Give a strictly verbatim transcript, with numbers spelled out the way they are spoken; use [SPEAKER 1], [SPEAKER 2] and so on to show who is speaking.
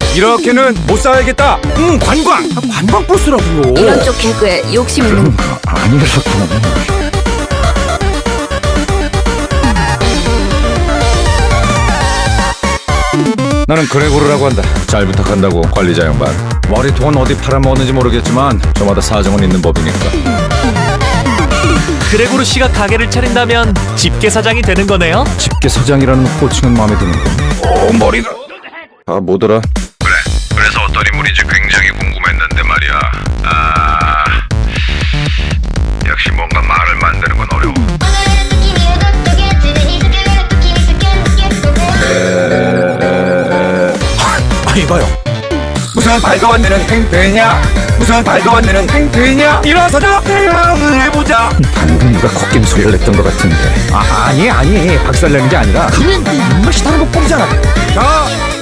[SPEAKER 1] 이렇게는 못 살겠다. 응, 관광. 아, 관광 버스라고요.
[SPEAKER 2] 이런 쪽 개그에 욕심 있는
[SPEAKER 1] 아니라고. 나는 그레고르라고 한다. 잘 부탁한다고 관리자 양반. 머리통은 어디 팔아먹었는지 모르겠지만 저마다 사정은 있는 법이니까.
[SPEAKER 3] 그레고르 씨가 가게를 차린다면 집게사장이 되는 거네요?
[SPEAKER 1] 집게사장이라는 호칭은 마음에 드는데. 오, 머리가. 아, 뭐더라?
[SPEAKER 4] 그래, 그래서 어떤 인물인지 굉장히 궁금했는데 말이야. 아, 역시 뭔가 말을 만드는 건 어려워.
[SPEAKER 1] 아, 이봐요. 무슨 발도 안 되는 행패냐? 무슨 발도 안 되는 행패냐? 일어서자! 해보자! 방금 누가 걷긴 소리를 냈던 것 같은데. 아, 아니, 아니. 박살내는 게 아니라. 그러면 입맛이 다른 거 뻔이잖아. 자,